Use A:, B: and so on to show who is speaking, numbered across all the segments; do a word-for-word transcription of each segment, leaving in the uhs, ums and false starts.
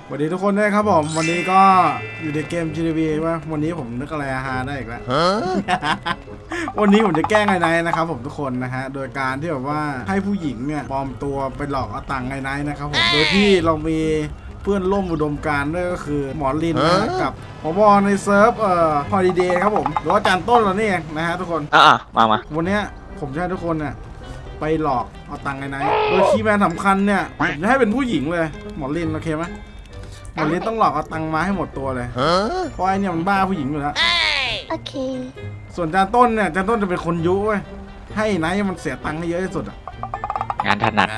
A: สวัสดีทุกคนด้วยครับผมวันนี้ก็อยู่ในเกม จี ที พี ว่าวันนี้ผมนึกอะไรฮาได้อีกแล้ว วันนี้ผมจะแกล้งไอ้ไนท์นะครับผมทุกคนนะฮะโดยการที่แบบว่าให้ผู้หญิงเนี่ยปลอมตัวไปหลอกเอาตังค์ไอ้ไนท์นะครับผมโดยที่เรามีเพื่อนร่วมอุดมการณ์ด้วยก็คือหมอลินนะกับผบในเซิร์ฟเอ่อฮอลิเดย์ครับผมหรือว่าจานต้นเรานี่เองนะฮะทุกคน
B: อ่ะมามา
A: วันนี้ผมจะให้ทุกคนเนี่ยไปหลอกเอาตังค์ไอ้ไนท์โดยคีย์แมนสำคัญเนี่ยผมจะให้เป็นผู้หญิงเลยหมอลินโอเคไหมหมอลินต้องหลอกเอาตังค์มาให้หมดตัวเลยเพราะไอ้เนี่ยมันบ้าผู้หญิงอยู่แล้ว
C: โอเค
A: ส่วนจานต้นเนี่ยจานต้นจะเป็นคนยุ้ยให้ไนท์มันเสียตังค์ให้เยอะที่สุดอ่ะ
B: งานถนัด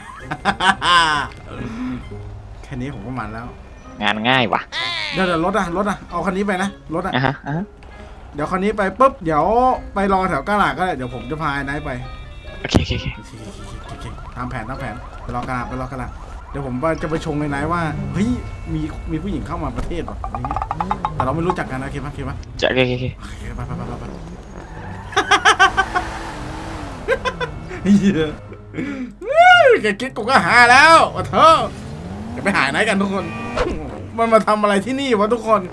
A: แค่นี้ผมก็มันแล้ว
B: งานง่ายว่ะ
A: เดี๋ยวเดี๋ยวรถอะรถอะเอาคันนี้ไปนะรถอะ
B: อ่ะฮะอ่ะฮะ
A: เดี๋ยวคันนี้ไปปุ๊บเดี๋ยวไปรอแถวกาลาดก็ได้เดี๋ยวผมจะพาไอ้ไนท์ไป
B: โอเคโอเคโอเค
A: โอเคตามแผนตามแผนไปรอกาลาดไปรอกาลาดเดี๋ยวผมจะไปชงไอ้ไนท์ว่าเฮ้ยมีมีผู้หญิงเข้ามาประเทศหรออะไรเงี้ยแต่เราไม่รู้จักกันนะโอเคปะโอเคปะ
B: จะโอเคโอเคโอเค
A: โอเคไปไปไปไปไปเฮ้ยแกคิดกูก็หาแล้ววะเธอจะไปหาไหนกันทุกคน มันมาทำอะไรที่นี่วะทุกคน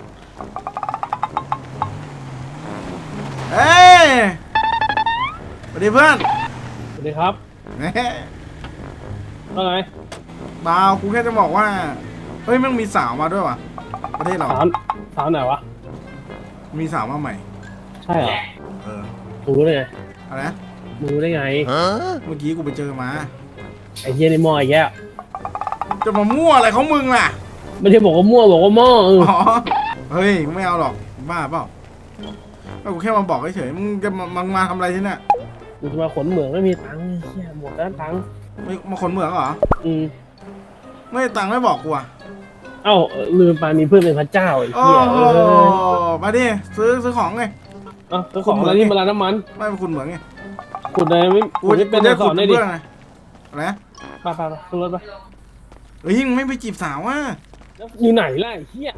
A: เอ้ยสวัสดีเพื่อน
D: สวัสดีครับ
A: เฮ้ย
D: ว่าไง
A: บ่าวกูแค่จะบอกว่าเฮ้ยมันมีสาวมาด้วยวะประเทศเรา
D: สาวสาวไหนวะ
A: มีสาวมาใหม่
D: ใช่เหรอ
A: เออ
D: มึงรู้ได้ไง
A: อะไรนะ
D: มึงรู้ได้ไง
A: เมื่อกี้กูไปเจอมา
D: ไอ้เหี้ยในหม้อไอ้แย่
A: จะมามั่วอะไรของมึงล่ะ
D: ไม่ได้บอกว่ามั่วบอกว่าหม้อเออ
A: อ๋อเฮ้ยกูไม่เอาหรอกบ้าเปล่าก็กูแค่มาบอกเฉยๆมึงจะมามามาทำอะไรที่เนี่ย
D: มึงจะมาขนเหมืองไม่มีตังค์ไอ้เหี้ยหมดแล้วตังค์
A: ไม่มาขนเหมืองเหรอ
D: อืม
A: ไม่ได้ตังค์ไม่บอกกูอ่ะ
D: เอ้าเออลืมไปมีเพื่อนเป็นพระเจ้าไอ้
A: โอ้
D: เหี้ย
A: โห
D: เออ
A: มาดิซื้อซื้อของไง
D: เอ้าเจ้าของอะไรนี่มาร้านน้ำมัน
A: ไม่เป็นคุณเหมืองไง
D: ขุดเลยไม่
A: กู
D: ขุดไม่เป็น
A: จะ
D: สอนได้ดิ
A: เพื่อนไงอะไรนะ
D: ไปไปไปขึ้นรถไป
A: เฮ้ยมึงไม่ไปจีบสาวอ่ะ
D: แล้วอยู่ไหนล่ะไอ้เหี้ย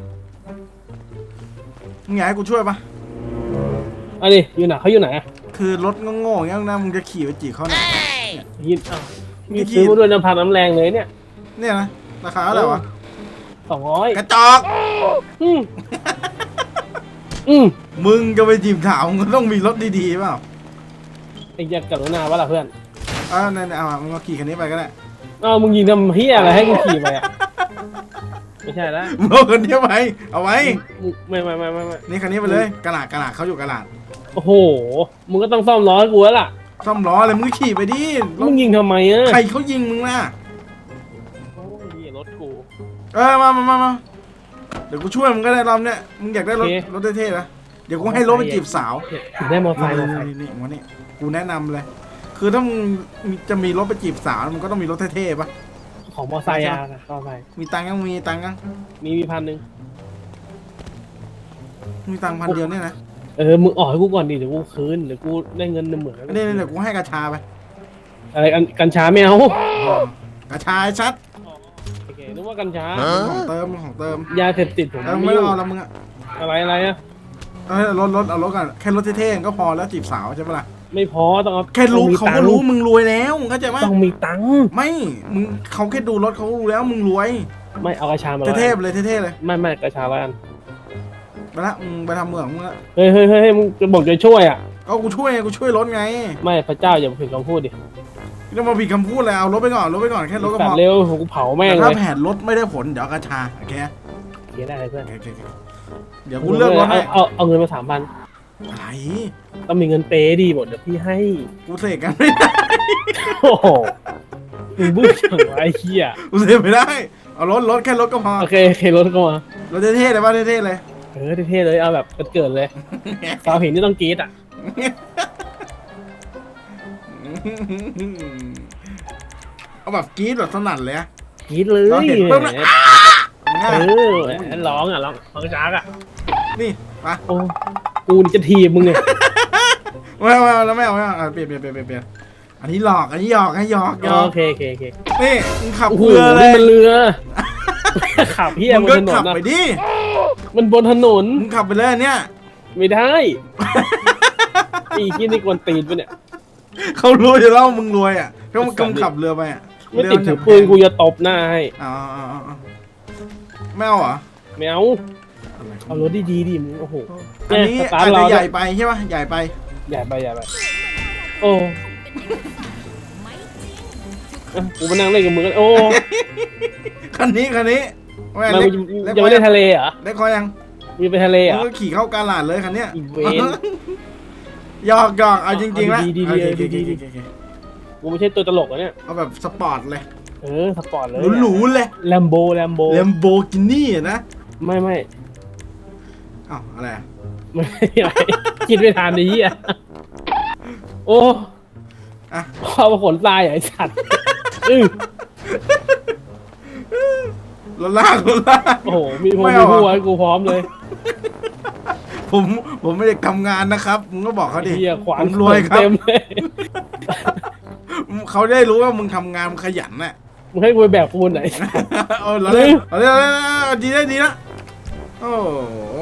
A: มึงอยากให้กูช่วยปะ
D: เอาดิอยู่ไหนเขาอยู่ไหนอะ
A: คือรถโง่ๆอย่างนี้นะมึงจะขี่ไปจีบเขาเนี่ย
D: ยินเอ้ามีซื้อมาด้วยน้ำพันน้ำแรงเลยเนี่ย
A: เนี่ยนะราคาเท่าไหร่วะ
D: สองร้อย
A: กระจอก
D: อืมอืม
A: มึงจะไปจีบสาวมึงก็ต้องมีรถดีๆเปล่า
D: ไอ้เหี้ยกรุณาวะล่ะเพื่อน
A: เออเนี่ยๆเอามามึงมาขี่คันนี้ไปก็ได้
D: เอ้ามึงยิงทำเฮียอะไรให้กูขี่ไปอ่ะ ไม่ใช่แล้ว
A: มึงเอาคันนี้ไปเอาไว้
D: มึงไม่ไม่ไม่ไม่ไม่
A: นี่คันนี้ไปเลยกระหลาดกระหลาดเขาอยู่กระหลาด
D: โอ้โห มึงก็ต้องซ่อมล้อให้กูแล้วล่ะ
A: ซ่อมล้อเลยมึงขี่ไปดิร
D: มึ
A: ถ
D: งยิงทำไมอ่ะ
A: ใครเขายิงมึงล่ะ
D: โอ้ยเหี้ยรถกู
A: เออมามามามาเดี๋ยวกูช่วยมึงก็ได้รอบเนี้ยมึงอยากได้รถ
D: โอเค
A: รถเท่ๆนะเดี๋ยวกูให้รถไปจีบสาว
D: ถึงได้มอเตอร์ไซค์มอเตอร์ไซค์
A: นี่นี่วันนี้กูแนะนำเลย คือถ้ามึงจะมีรถไปจีบสาวมึงก็ต้องมีรถเท่ๆปะ
D: ของมอเตอร์ไซค์อ่ะมอเตอร์ไซค์
A: มีตังค์ยังมีตังค์ยัง
D: มีมีพันหนึ่ง
A: มีตังค์พันเดียวเนี่ยนะ
D: เออ มึงออกให้กูก่อนดิ เดี๋ยวกูคืน เดี๋ยวกูได้เงินหนึ่งหมื่นแล้ว
A: นี่นี่เดี๋ยวกูให้กระชาไป
D: อะไรกันกัญชาไม่เอา
A: กระชาไอ้ชัด
D: โอเคนึกว่ากัญชา
A: ของเติมของเติม
D: ยาเสพติดผม
A: เออ
D: ไม่
A: ไม่ต้
D: ยุ่
A: อง
D: ง
A: เอาแล้วมึงอะ
D: อะไรอะไรอ่ะ
A: เออรถรถเอารถก่อนแค่รถเท่ๆก็พอแล้วจีบสาวใช่ปะล่ะ
D: ไม่พอต้องเอา
A: แค่รู้
D: ต้องมี
A: เขา
D: ตั
A: ก็
D: งค์
A: รู้มึงรวยแล้วมึงเข้าใจไหม
D: ต้องมีตังค์
A: ไม่มึงเขาแค่ดูรถเขารู้แล้วมึงรวย
D: ไม่เอากัญชามาแล้ว
A: เท่ๆไปเลยเท่ๆเลย
D: ไม่ไม่กัญชาแล้วกัน
A: ไปละมึงไปทำเมืองมึงละ
D: เฮ้ยเฮ้ยเฮ้ยมึงจะบอกจะช่วยอ่ะ
A: ก็กูช่วยไงกูช่วยรถไง
D: ไม่พระเจ้าอย่าผิดคำพูดดิ
A: ไม่ต้องมาผิดคำพูดเลยเอารถไปก่อนรถไปก่อนแค่รถก็
D: ตั
A: พ
D: ด
A: อ
D: เร็วผมกูเผาแม่ง
A: แต่
D: เล
A: ถ้าย แผนรถไม่ได้ผลเดี๋ยวกระชาโอเค
D: เขียนได้เลยเพื่อน
A: โอเคโอเคเดี๋ยวกูเลือกรถให้
D: เอาเอาเอาเงินมาสามพัน
A: อะไร
D: ต้องมีเงินเปย์ดีหมดเดี๋ยวพี่ให้
A: กูเสกกันไม่ได้
D: โอ้โหมึงบึ้งจังวะไอ้เหี้ย
A: กูเสกไม่ได้เอารถรถแค่รถก็พอ
D: โอเคโอเครถก็มาร
A: ถเท่ๆเลยป่ะเท่ๆเลย
D: เออเท่ๆเลยเอาแบบเกิดๆเลยสาวเห็นนี่ต้องกรี๊ดอ่ะ
A: เอาแบบกรี๊ดแบบสนั่นเลยอะ
D: กรี๊ดเลย
A: เราเห็นปุ๊บนะ
D: เออร้องอ่ะร้องร้องจากอ่ะ
A: นี่มา
D: โอ้กูนี่จะทีบมึงเนี่ย
A: ไม่เอาไม่เอาแล้วไม่เอาไม่เอาอ่ะเปลี่ยนเปลี่ยนเปลี่ยนเปลี่ยนเปลี่ยนอันนี้หลอกอันนี้หยอกให้หยอกหยอก
D: โอเคโอเคโอเค
A: นี่มึงขับ
D: โอ้โห
A: เรือเล
D: นี่
A: ย
D: มันเรือขับเฮีย
A: มึง
D: บ
A: ก็
D: นถน
A: ขับ
D: นนะ
A: ไปดิ
D: มันบนถนน
A: มึงขับไปเลยอันเนี่ย
D: ไม่ได้ อีที่นี่กวนตีนไปะเนี่ย
A: เขารู้อยู่แล้วมึงรวยอ่ะก็มึงกำขับเรือไปอ่ะ
D: ไม่ติดถือปืนกูจะตบหน้าให้
A: อ๋ออ๋ออ๋อไม่เอาเหรอ
D: ไม่เอา
A: อะไรขง
D: เอารถดีๆดิมึงโอ้โห
A: อันนี้
D: สตา
A: อา
D: ร์
A: จ
D: ท
A: จะ
D: เรา
A: ใหญ่ไปใช่ปะใหญ่ไป
D: ใหญ่ไปใหญ่ไปโอ้เอ้ยกูมานั่งเล่นกับมึงกันโอ้
A: คันนี้คันนี้แม่
D: มัน
A: เล็ก
D: ยังไม่ได้ทะเลเหรอ
A: เล็กคอยัง
D: มึงไปทะเลเหร
A: มึ
D: อง
A: ก็ขี่เข้ากาลาดเลยคันเนี้ย
D: อีเวน
A: หยอกหยอกเอาจริงๆแล้ว
D: เอาดีๆ
A: โอเค
D: ดีๆ
A: โอเค
D: ดีๆ
A: โอเคโอเค
D: กูไม่ใช่ตัวตลกอะเนี่ย
A: เอาแบบสปอร์ตเลย
D: เออสปอร์ตเลย
A: หรูๆเลย
D: แลมโบแลมโบ
A: เลมโบกินี่นะ
D: ไม่ไม่
A: อ้าวอะไรอะ
D: ไม่ไม่คิดไม่ทันนี้อ่ะโอ้
A: อ่ะ
D: พ่อมาขนทรายเหรอไอ้สัตว์อื้อ
A: รถลากรถลาก
D: โอ้โหมีพว
A: ไม่
D: มี
A: เอา
D: หัว
A: อะ
D: ให้กูพร้อมเลย
A: ผมผมไม่ได้ทำงานนะครับมึงก็บอกเขาดิ
D: เฮียขวาน
A: ผมรวยครับ
D: เต็มเลย
A: เขาได้รู้ว่ามึงทำงานมึงขยันน่ะ
D: มึงให้กูไปแบกปูนไหน
A: เอาเราเล่นเราเล่นเอาดีได้ดีนะโอ้โห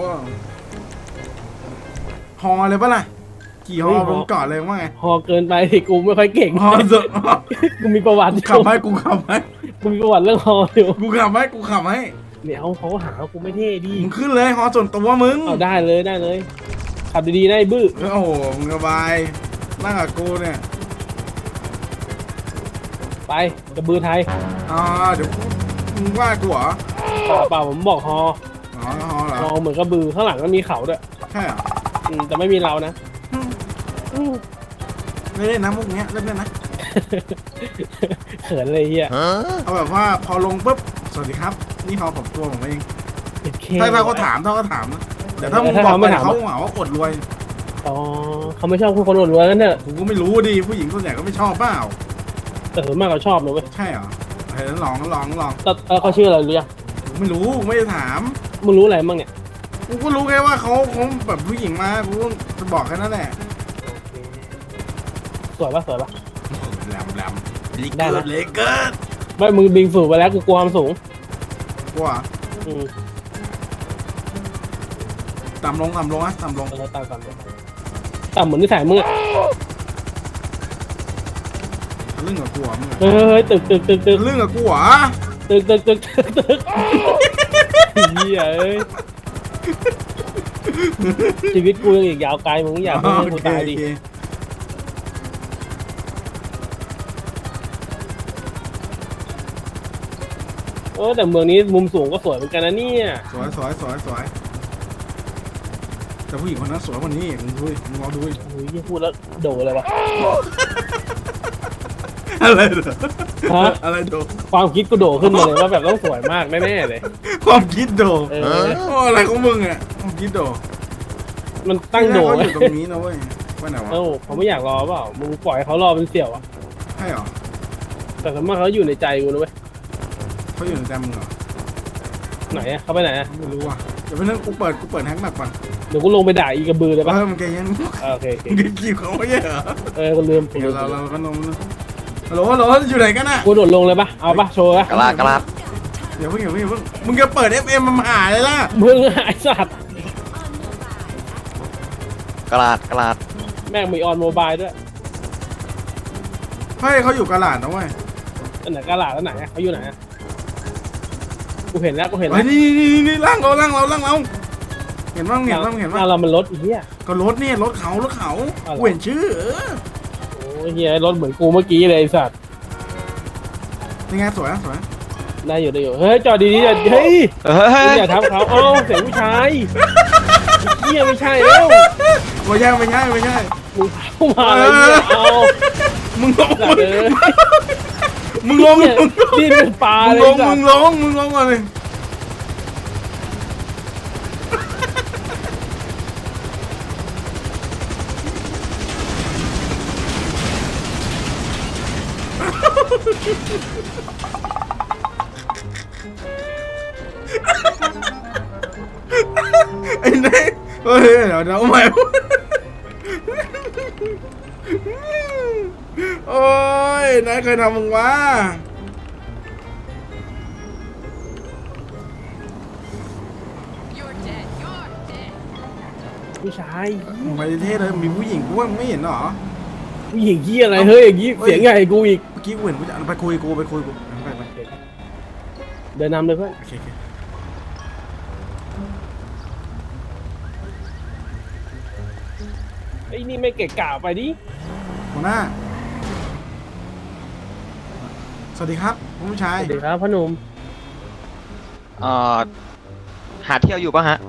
A: ฮอเลยปะล่ะขี่ฮอผมเกาะเลยว่าไง
D: พอเกินไปที่กูไม่ค่อยเก่ง
A: ฮอสุด
D: กูมีประวัติอ
A: กู
D: ยู่
A: ขับให้กูขับให้
D: กูมีประวัติเรื่องฮออยู่
A: กูขับให้กูขับให้
D: เดี๋ยวเขาหาว่ากูไม่เท่ดี
A: มึงขึ้นเลยฮอส่วนตัวมึง
D: เอาได้เลยได้เลยขับดีๆได้บื้อ
A: โอ้โหมึงสบายนั่งกับกูเนี่ย
D: ไปกระบือไทย
A: อ่าเดี๋ยวมึงว่ากูเหรอ
D: เปล่าเปล่าผมบอกฮอ
A: อ๋อฮอเหรอ
D: ฮอเหมือนกระบือข้างหลังก็มีเขาด้วย
A: ใช่เหรอ
D: อืมแต่ไม่มีเรานะ
A: ไม่เล่นนะมุกเนี้ยเล่นได้นะ
D: เขินเลยเฮีย
A: เอาแบบว่าพอลงปุ๊บสวัสดีครับ นี่ฮอผมตัวผมเอง
D: โอเค
A: ถ้าถ้าเขาถามถ้าเขาถามนะเดี๋ยวถ้ามึง
D: ถ้า
A: บอก
D: เขา
A: ไป
D: ไม่ถาม
A: เขาหาว่าอดรวย
D: อ๋อเขาไม่ชอบคนอวดรวยกันเถอะ
A: กูก็ไม่รู้ดิผู้หญิงส่วนใหญ่ก็ไม่ชอบเปล่า
D: แต่ส่วนมากเขาชอบนะเว้ย
A: ใช่เหรอเฮ้ยลองลองลอง
D: แต่เออเขาชื่ออะไรหรือยัง
A: กูไม่รู้กูไม่ได้ถาม
D: มึงรู้อะไรบ้างเนี่ย
A: กูก็รู้แค่ว่าเขาเขาแบบผู้หญิงมากูจะบอกแค่นั้นแหละ
D: สวยปะสวยปะ
A: แหลมแหลมลิ
D: ได้
A: เกิ
D: นะ
A: ดเลเกิด
D: ไม่มึงบิงสูงไปแล้วกูกลัวความสูง
A: กลัว
D: อืม
A: ต่ำลงต่ำลงอะต่ำลง
D: เออตามตามต่ำเหมือนนิสัยมึงอะ
A: ทะลึ่งกับกูเหรอมึงอะ
D: เฮ้ยเฮ้ยตึกตึกตึกตึก
A: ทะลึ่งกับกูเหรอ
D: ตึกตึกตึกตึกตึกเฮียเอ้ยชีวิตกูยังอีกยาวไกลมึงอยากให้กูตายดิ
A: โอเค
D: เออแต่เมืองนี้มุมสูงก็สวยเหมือนกันนะเนี่ย
A: สวยสวยสวยสวยแต่ผู้หญิงคนนั้นสวยกว่านี้อีกมึงดูดิมึงลองดูดิ
D: โอ้ยพูดแล้วโดเลยวะ
A: อะไรเหรอ
D: ฮะ
A: อะไรโด
D: ความคิดกูโดขึ้นมาเลยว่าแบบต้องสวยมากแน่ๆเลย
A: ความคิดโด
D: เออ
A: โอ้อะไรของมึงอ่ะความคิดโด
D: มันตั้งโด
A: เขาอ
D: ไว้
A: ยู่ตรงนี้นะเว้ยไปไหนวะ
D: เอ้าเขาไม่อยากรอเปล่ามึงปล่อยให้เขารอเป็นเสี่ยวอะ
A: ใช่เหรอ
D: แต่สมมติเขาอยู่ในใจกูนะเว้ย
A: เขาอยู่ในใจมึงเหรอ
D: ไหนอะเขาไปไหนอะ
A: ไม่รู้ว่ะเดี๋ยวไปนั่งกูเปิดกูเปิดแฮกแมปก่อน
D: เดี๋ยวกูลงไปด่าอีกระบือเลยปะ
A: เออมันแกยัง
D: เออโอเคโอเค
A: มึงกี่เขาไม่ใช่เหรอ
D: เออกูลืมกูลื
A: เดี๋ยว
D: ม
A: เราเราก็นมฮัลโหลฮัลโหลอยู่ไหนกันน่ะ
D: กูโดดลงเลยปะเอาปะโชว์ปะ
B: กระลาดกระลาด
A: เดี๋ยวเพิ่งเดี๋ยวเพิ่งเดี๋ยวเพิ่งมึงจะเปิด เอฟ เอ็ม มาหาเลยล่ะ
D: มึงไอ้สัตว์
B: กระลาดกระลาด
D: แม่งมีออนโมบายด้วย
A: เฮ้ยเขาอยู่กาลาดนะเว้ย
D: อันไหนกาลาดแล้วไหนอะเขาอยู่ไหนอะกูเห็นแล้วกูเห็นแล้
A: เฮ้
D: วย
A: นี่นี่นี่นี่ล่างเราล่างเราล่างเราเห็นบ้างเห็นบ้างเห็น
D: ห
A: บ้า
D: น้างเรามันรถไอ้เหี้ย
A: ก็รถเนี่ยรถเขารถเขา
D: อะไร
A: กูเห็นชื่อเออ
D: โอ้ยเหี้ยรถเหมือนกูเมื่อกี้เลยไอ้สัตว์
A: ยังไงสวยอะสวย
D: ได้อยู่ได้อยู่เฮ้ยจอดดีๆจอดเฮ้ย
B: เฮ้ย
D: อย่าทับเขาเอ้าเสียงผู้ชายไอ้เหี้ยไม่ใช่แล้ว
A: ไม่ใช่ไม่ใช่ไม่ใช่
D: มึงเข้ามาอะไรเนี่ยเอา
A: มึงลง
D: สัตว์เอ้ย
A: มึงลง
D: เนี่ย
A: มึงลง
D: ดิ้นเป็นปลา
A: มึง
D: เล
A: ล
D: ย
A: ง
D: สั
A: มึ
D: ต
A: ง
D: ว์
A: ลงมึงลงมาเลยไอ้เน่เฮ้ยเดี๋ยวเดี๋ยวเอาใหม่โอ้ยนายเคยทำมึงวะ
D: ผู้ชาย
A: มึงไปเท่เลยมีผู้หญิงกูว่ามึงไม่เห็นเหรอ
D: ผู้หญิงเหี้ยอะไรเฮ้ยอย่างงี้เสียงใหญ่กูอีก
A: เมื่อกี้กูเห็นกูจะไปคุยกูไปคุยกูไปไป
D: เดินนำเลยเพื่อน
A: โอเคโอเค
D: ไอ้นี่ไม่เกะกะไปดิ
A: หัวหน้า สวัสดีครับคุณผู้ชาย
D: สวัสดีครับพ่อหนุ่ม
B: เอ่อหาเที่ยวอยู่ป่ะฮะ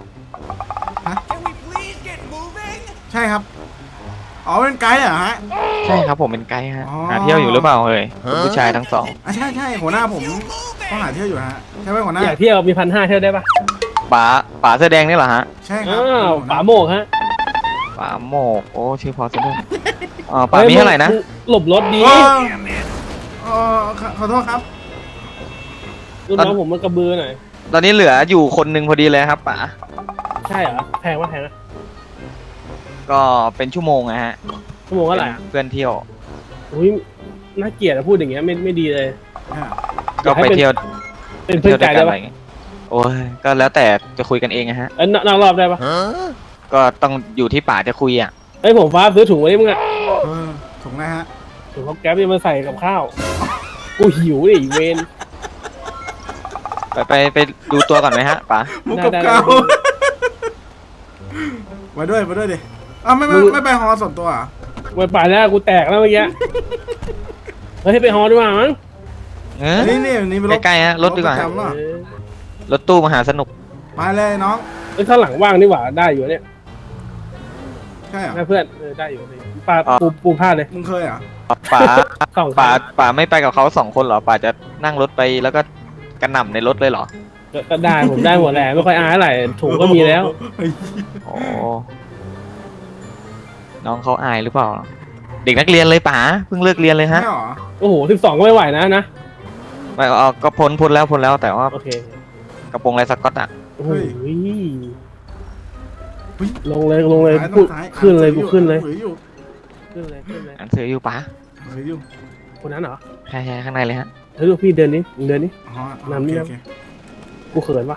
A: ใช่ครับ อ๋อเป็นไกด์เหรอฮะ
B: ใช่ครับผมเป็นไกด์ฮะ
A: อ๋อ
B: หาเที่ยวอยู่หรือเปล่าเอ่ยคุณผู้ชายทั้งสอง
A: อ่ะใช่ใช่หัวหน้าผมก็หาเที่ยวอยู่ฮะใช่ไหมหัวหน้า
D: อยากเที่ยวมีพันห้าเที่ยวได้ปะ
B: ป๋าป๋าเสื้อแดงนี่เหรอฮะ
A: ใช่ครั
D: อ้า
A: บ
D: วป๋าโมกฮะ
B: ป๋าโมกโอ้ชื่อพอซะด้วยอ๋อป๋ามีเท่าไหร่นะ
D: หลบรถดี
A: เออเออขอขอโทษครับ
D: รุ่นน้องผมมันกระบือหน่อย
B: ตอนนี้เหลืออยู่คนหนึ่งพอดีเลยครับป๋า
D: ใช่เหรอแพงวะแพงนะ
B: ก็เป็นชั่วโมงนะฮะ
D: ชั่วโมงเท่าไหร่อ่ะ
B: เพื่อนเที่ยว
D: อุ้ยน่าเกลียดอะพูดอย่างเงี้ยไม่ไม่ดีเลย
B: ก็ไปเที่ยว
D: เป็นเพื่อนไกด์ได้ปะ
B: โอ้ยก็แล้วแต่จะคุยกันเองนะฮะ
D: เอ้ยนอกรอบได้ปะ
B: ก็ต้องอยู่ที่ป๋าจะคุยอ่ะ
D: เฮ้ยผมฟ้าซื้อถุงไว้ดิมึงอะ
A: เออถูกนะฮะ
D: ถุงเขาแก๊ปจะมาใส่กับข้าว กูหิวดิเวน
B: ไปไปไปดูตัวก่อนไหมฮะป๋า
A: มุกกับ
D: ได้ได้
A: เกา
D: ได้
A: ไปด้วยไปด้วยดิอ้าวไม่ไม่ไม่ไปฮอส่วนตัวเหรอ่ะ
D: ไปป่าแล้วกูแตกแล้วเมื่อกี้เฮ้ยไปฮอดีกว่ามั้ง
B: เออ
A: นี่นี่นี่เป็นรถ
B: ใกล้ๆฮะรถดีกว่า
A: ประจำเหรอ
D: เออ
B: รถตู้มหาสนุก
A: ไปเลยน้อง
D: เอ้ยข้างหลังว่างนี่หว่าได้อยู่เนี่ย
A: ใช่เหรอ
D: นะเพื่อนเออได้อยู่เลยปลาปูปูพลาดเลย
A: มึงเคยเหรอ่ะ
B: ป๋า
D: สอง
B: ป๋า
D: ขา
B: ป๋าไม่ไปกับเขาสองคนเหรอป๋าจะนั่งรถไปแล้วก็กระหน่ำในรถเลยเหรอ
D: ก็ก็ได้ผมได้หมดแหละไม่ค่อยอายอะไรถุงก็มีแล้ว
B: โอ้น้องเขาอายหรือเปล่า เด็กนักเรียนเลยป๋าเพิ่งเลิกเรียนเลย
A: ใช่
B: ฮะ
A: เหรอ
D: โอ้โหสิบสองก็ไม่ไหวนะนะ
B: ไม่เอาก็พ้นพ้นแล้วพ้นแล้วแต่ว่า
D: โอเค
B: กระโปรงลายสก๊อตอ่ะ
D: โอ้โห
A: เฮ้ย
D: ลงเลยลงเลย
A: ซ้าย
D: กู
A: ซ้าย
D: ขึ้นเลยกูขึ้นเลย
A: ถืออยู่
D: ขึ้นเลยขึ้นเลย
B: อันเสืออยู่ป๋า
A: ถืออยู่
D: คนนั้นเหรอ
B: ใช่ใช่ข้างในเลยฮะ
D: เฮ้ยลูกพี่เดินนี้เดินนี้
A: อ๋อ
D: น้ำนี่
A: โอ
D: นะ
A: เค
D: กูเขินปะ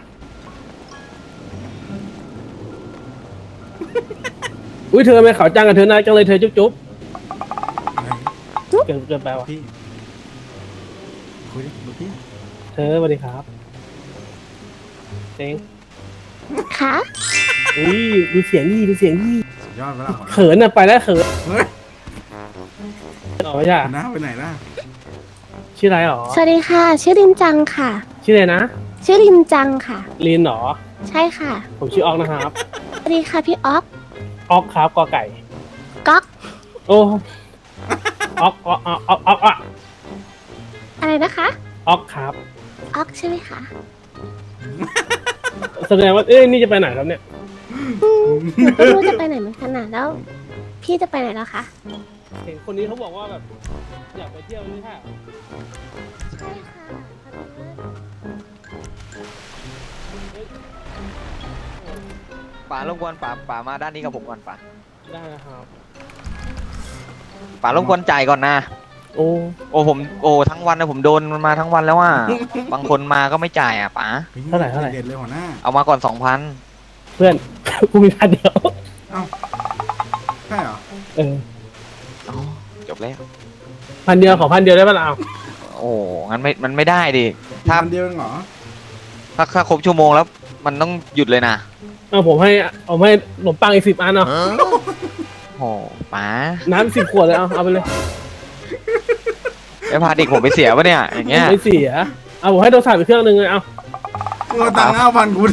D: อุ้ยเธอไม่เขาวจังกับเธอนะจังเลยเธอจุ๊บจุ๊บ
A: โอเค
D: เกินเกินไปวะ
A: พี่คุยดิดูพี่
D: เธอสวัสดีครับเต็ง
C: ค่ะ
D: อุ้ยดูเสียงดีดูเสียงดี
A: สุดยอดไปแล้ว
D: เขินอะไปแล้วเขิน
A: เฮ้ย
D: อ๋อไม่ใช่
A: หัวหน้าไปไหนล่ะ
D: ชื่ออะไรหรอ
C: สวัสดีค่ะ ชื่อลินจังค่ะ
D: ชื่ออะไรนะ
C: ชื่อลินจังค่ะ
D: ลีนหรอ
C: ใช่ค่ะ
D: ผมชื่อออกนะครับ
C: สวัสดีค่ะพี่อ๊อก
D: ออกครับกอไก่
C: ก๊อก
D: โอ้ออกออกออกออกออกออก
C: อะไรนะคะ
D: ออกครับ
C: อ๊อกใช่ไหมคะ
D: แสดงว่าเอ้ยนี่จะไปไหนครับเนี่ย
C: อืมหนูก็ไม่รู้จะไปไหนเหมือนกันนะแล้ว พี่จะไปไหนแล้วคะ
D: เห็นคนนี้เขาบอกว่าแบบอยากไปเที่ยวนี่ค่ะ
C: ใช่ค่ะ
B: ป๋ารบกวนป๋าป๋ามาด้านนี้กับผมก่อนป๋า
D: ได้นะครับ
B: ป๋ารบกวนจ่ายก่อนนะ
D: โอ้
B: โอ้ผมโอ้ทั้งวันนะผมโดนมันมาทั้งวันแล้วว่า บางคนมาก็ไม่จ่ายอ่ะป๋า
D: เท่าไหร่เท่าไหร่
A: เด็ดเลยหัวหน้า
B: เอามาก่อนสองพัน
D: เพื่อน กูมีพันเดียว
A: ใช่เหรอ
D: เออ
B: จบแล้ว
D: พันเดียวขอพันเดียวได้ปะล่ะเอา
B: โอ้งั้นไม่มันไม่ได้ดิถ้า
A: พันเดียวเองเหรอ
B: ถ้าถ้าครบชั่วโมงแล้ว มันต้องหยุดเลยนะ
D: เอาผมให้เอาให้ขนมปังอีกสิบอันเนาะ
B: โอ้ป๋า
D: น้ำสิบขวดเลยเอาเอาไปเลย
B: จะพาเด็กผมไปเสียปะเนี่ยอย่างเงี้ย
D: ไม่เสียเอาผมให้โทรศัพท์อีกเครื่องหนึ่งเลยเอา
A: มึงเอาตังค์ห้าพันกู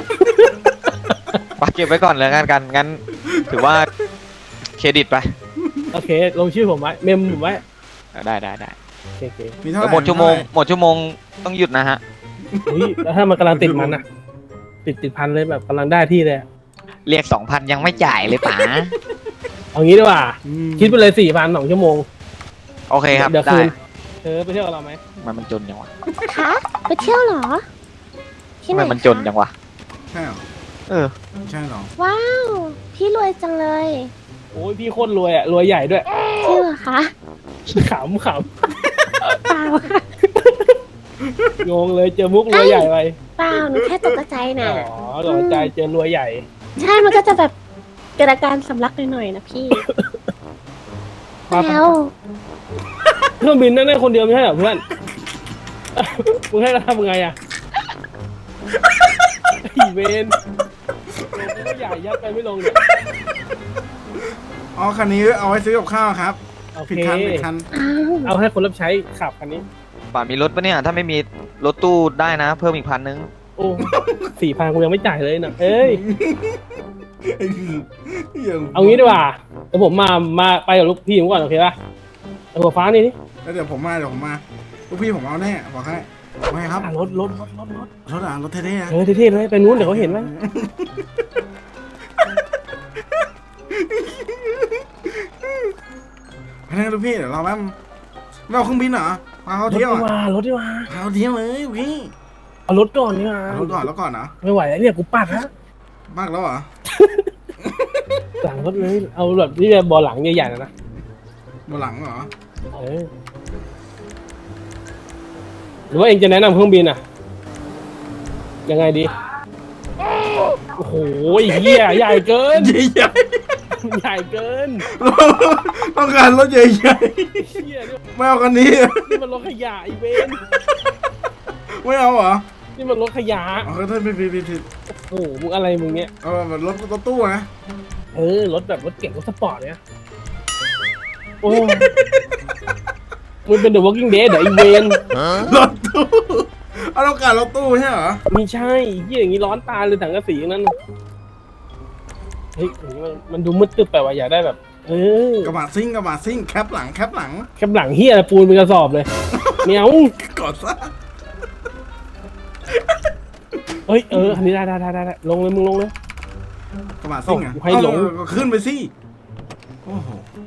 B: ป๋าเก็บไว้ก่อนเลยกันกันงั้น ถือว่าเครดิตไป
D: โอเคลงชื่อผมไว้เมมผมไว้
B: ได้ได้ได้
D: โอเคโอเค
A: มีเท่าไห
B: แล้ว
A: ร่
B: หมดชั่วโมงหมดชั่วโมงต้องหยุดนะฮะ
D: อุ้ยแล้วถ้ามันกำลังติดมันอะติดติดพันเลยแบบกำลังได้ที่เลยอะ
B: เรียกสองพันยังไม่จ่ายเลยป๋า
D: เอางี้ดีกว่า
A: อืม
D: คิดไปเลยสี่พันสองชั่วโมง
B: โอเคครับ
D: เดี๋ยว
B: ได้
D: คืนเธอไปเที่ยวกับเราไหม
B: มันมันจนยังวะ
C: คะไปเที่ยวเหรอ ที่ไหน
B: มันมันจน
C: คะ
B: ยังวะ
A: ใช่เหรอ
B: เออ
A: ใช่เหรอ
C: ว้าว พี่รวยจังเลย
D: โอ้ยพี่โคตรรวยอะรวยใหญ่ด้วย
C: จริงเหรอคะ
D: ขำข
C: เปล่าค่ะ
D: ำงงเลยเจอมุกรวยใหญ่ไป
C: เปล่าหนูแค่ตกใจ
D: อ๋
C: น่ะ
D: อหลอกใจเจอรวยใหญ่
C: ใช่ มันก็จะแบบเกิดอาการสำลักหน่อยๆนะพี่
D: มา
C: แล้ว
D: เครื่องบินนั่งได้คนเดียวไม่ใช่เหรอเพื่อน มึงให้เราทำไงอะไอ้เวนไม่ใหญ่ยัดไปไม่ลงเนี่ย
A: อ๋อคันนี้เอาไว้ซื้อกับข้าวครับ
D: โอเค
A: ผิดคันผิดคัน
C: อ้าว
D: เอาให้คนรับใช้ขับคันนี้
B: ป่ามีรถปะเนี่ย ถ้าไม่มีรถตู้ได้นะ เพิ่มอีกพันนึง
D: โอ้สี่พันกูยังไม่จ่ายเลยนะเอ้ย เอางี้ดีกว่าเดี๋ยวผมมา มาไปกับลูกพี่ผมก่อนโอเคป่ะเอาหัวฟ้านี่นี่
A: แล้วเดี๋ยวผมมาเดี๋ยวผมมาลูกพี่ผมเอาแน่บอกให้ไม่ครับ
D: อ่ะรถรถรถรถรถ
A: รถอ่ะรถเท่ๆอะ
D: เออเท่ๆเลยไปนู้นเดี๋ยวเขาเห็นไหม
A: ไปนั่งลูกพี่เดี๋ยวเราแป๊บไม่เอาเครื่องบินเหรอพาเขา
D: รถ
A: เที่
D: ดี
A: ยว
D: ก
A: อ่ะ
D: ว่ารถดีกว่า
A: พาเขาเที่ยวเลยพี่
D: เอารถก่อนดีกว่า
A: เอารถก่อนแล้วก่อนนะ
D: ไม่ไหวแล้วเนี่ยกูปัดแล้ว
A: มากแล้วเหรอ
D: หลังรถเลยเอาแบบที่จะบอหลังใหญ่ๆนะนะ
A: บนหลังเหรอ
D: เออหรือว่าเองจะแนะนำเครื่องบินอ่ะ ยังไงดีโอ้โหเหี้ยใหญ่เกิน
A: ใหญ่
D: ใหญ่เกิน
A: ๆต้องการรถใหญ่
D: เหี้ยนี่
A: ๆไม่เอาคันนี้
D: นี่มันรถขยะอีเวน
A: ไม่เอาเหรอ
D: นี่มันรถขยะ
A: เอาก็ถ้าผิดผิดผิดผิด
D: โอ้โหมึงอะไรมึงเนี่ย
A: เอาแบบรถรถตู้นะ
D: เออรถแบบรถเก่งรถสปอร์ตเนี่ยโอ้มึงเป็น The Walking Dead เหรออีเวน
A: รถตู้เอาต้องการรถตู้ใช่เหรอ
D: ไม่ใช่เหี้ยอย่างนี้ร้อนตาเลยถังกระสีอย่างนั้นเฮ้ยอย่างนี้มันมันดูมืดตึ๊บไปว่ะอยากได้แบบ เออก
A: ระบะซิ่งกระบะซิ่งแคปหลังแคปหลัง
D: แคบหลังเฮียปูนเป็นกระสอบเลยเมียว
A: กดซะ
D: เฮ้ยเออคันนี้ได้ได้ได้ได้ลงเลยมึงลงเลย
A: กระบะซิ่งอ่ะ
D: โอ้ให้หลง
A: เออก็ขึ้นไปสิโอ้โห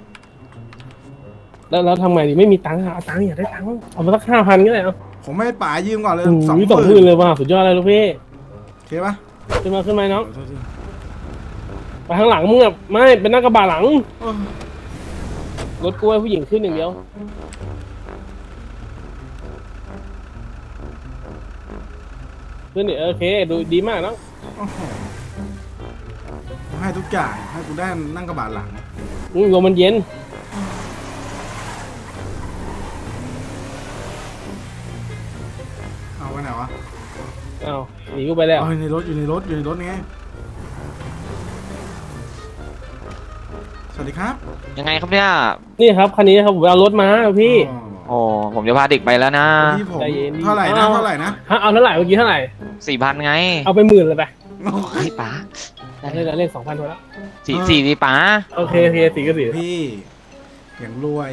D: แล้วแล้วทำไงดีไม่มีตังค์อะเอาตังค์อยากได้ตังค์เอามาสักห้าพันก็ได้เอา
A: ผมไม่ให้ป๋ายืมก่อนเลย
D: โอ้
A: สอง
D: ย
A: ห
D: สองห
A: มื่
D: มื่
A: น
D: นเลยว่ะสุดยอดเลยลูกพี่
A: โอเคปะ
D: ขึ้นมาขึ้นมาน้อง
A: โทษที
D: ไปข้างหลังมึงอะไม่เป็นนั่งกระบะหลัง
A: โอ้
D: รถกูให้ผู้หญิงขึ้นอย่างเดียวขึ้นดิโอเคดูดีมากเนาะ
A: โอ้โหผมให้ทุกอย่างให้กูได้นั่งกระบะหลัง
D: อืมลมมันเย็น
A: เอาไปไหนวะ
D: อ้าวหนีกูไปแล้ว
A: เอาอยู่ในรถอยู่ในรถอยู่ในรถไงสวัสดีครับ
B: ยังไงครับเนี่ย
D: นี่ครับคันนี้ครับผมเอารถมาพี่
A: อ๋อ
B: โอ้ผมจะพาเด็กไปแล้วนะ
A: พี่ผม
D: ใจเย็นดิ
A: เท่าไหร่นะ
D: เอา
A: เท่าไหร่นะ
D: ฮะเอาเท่าไหร่เมื่อกี้เท่าไหร่
B: สี่พันไง
D: เอาไปหมื่นเลยไป
B: เฮ้ยป๋า
D: เอาเลยเลขสองพันพอแล้ว
B: สี่สี่ดีป๋า
D: โอเคโอเคสี่ก็สี่
A: พี่อย่างรวย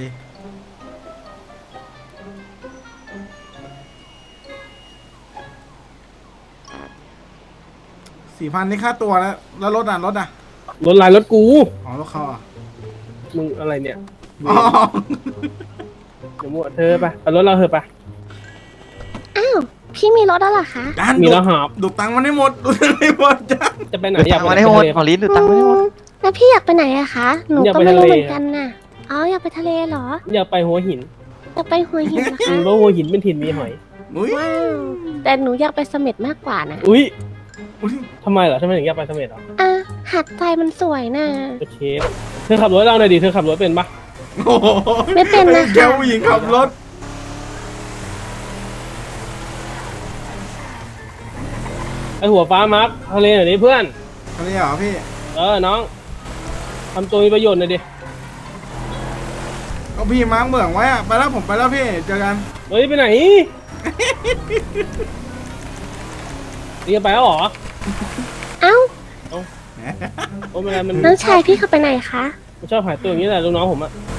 A: สี่พันนี่ค่าตัวแล้วแล้วรถอ่ะรถอ่ะ
D: รถลายรถกู
A: อ๋อรถเขาอ่ะ
D: มึงอะไรเนี่ย
A: อ๋อ
D: เดี๋ยวมั่วเธอไปเอารถเราเถอะไป
C: อ้าวพี่มีรถแล้วเหรอคะ
A: จาน
D: มี
A: ดู
D: แล้วหอบ
A: ดูตังค์มันให้หมดดูตังค์ให้หมดจาน
D: จะไปไหน
B: ดู
D: อยาก
B: ตัง
D: ไป
B: ค์
D: ไหน
B: มาได้หมด
D: ไปทะเล
B: ขอลิ้นดูตังค์มาได้หมด
C: แล้วพี่อยากไปไหนอะคะหนู
D: อยาก
C: ก็
D: ไป
C: ไม่รู้
D: ทะเล
C: เหมือนกันน่ะอ๋ออยากไปทะเลเหรอ
D: อยากไปหัวหิน
C: อยากไปหัวหินเหรอ
D: อื
C: คะ
D: มเพราะหัวหินเป็นถิ่นมีหอย
A: อุ้ย
C: ว้าวแต่หนูอยากไปเสม็ดมากกว่านะ
D: อุ้ย
A: อุ้ย
D: ทำไมเหรอทำไมถึงอยากไปเสม็ดเหรอ
C: อ่ะหาดทรายมันสวยนะ
D: โอเคเธอขับรถให้เราหน่อยดิเธอขับรถเป็นปะ
A: โอ้โห
C: ไม่เป็นนะคะ
A: แกผู้หญิงขับรถ
D: ไอหัวฟ้ามาร์คทะเลหน่อยดิเพื่อน
A: อันนี้เหรอพี่
D: เออน้องทำตัวมีประโยชน์หน่อยดิ
A: ก็พี่มาร์กเหมืองไว้อะไปแล้วผมไปแล้วพี่เจอกัน
D: เฮ้ยไปไหนเรียกไปแล้วเหรอ
C: เอ้า
D: โอ้ไม่เป็นไรมัน
C: น้องชายพี่เขาไปไหนคะ
D: มันชอบหายตัวอย่างนี้แหละลูกน้องผมอะ